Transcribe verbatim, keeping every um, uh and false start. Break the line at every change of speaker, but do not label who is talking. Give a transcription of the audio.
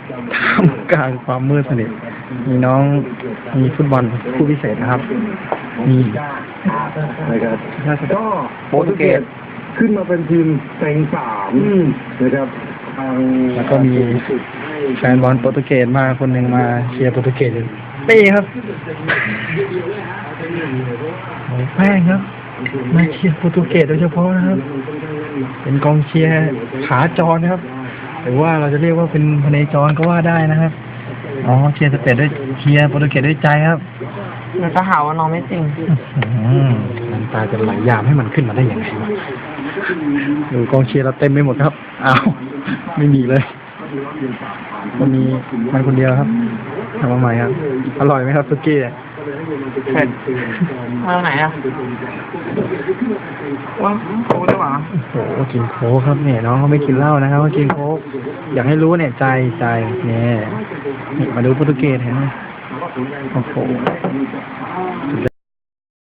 ท่ามกลางความมืดสนิทมีน้องมีฟุตบอลผู้พิเศษนะครับมี
นะครับก็
โปรตุเกส
ขึ้นมาเป็นทีมเต็งสามนะครับทาง
แล้วก็มีแฟนบอลโปรตุเกสมาคนหนึ่งมาเชียร์โปรตุเกสอยู่นี่ครับโอ้แป้งครับมาเชียร์โปรตุเกสโดยเฉพาะนะครับเป็นกองเชียร์ขาจรนะครับหรือว่าเราจะเรียกว่าเป็นพเนจรก็ว่าได้นะครับอ๋อเชียร์สเปนด้วยเชียร์โปรตุเกสด้วยใจครับ
เราจะหาว่าน้องไม่จริง
น้ำตาจะไหลยามให้มันขึ้นมาได้ยังไงวะดูกองเชียร์เราเต็มไปหมดครับอ้าวไม่มีเลยมันมีมันคนเดียวครับทำมาใหม่ครับอร่อยไหมครับซุกี้
เผ็ดมาไหนอ่ะว่าโค้กได้หรอ
โอ้โหกินโค้กครับเนี่ยน้องเขาไม่กินเหล้านะครับเขากินโค้กอยากให้รู้เนี่ยใจใจเนี่ยมาดูโปรตุเกสเห็นไหมโอ้โห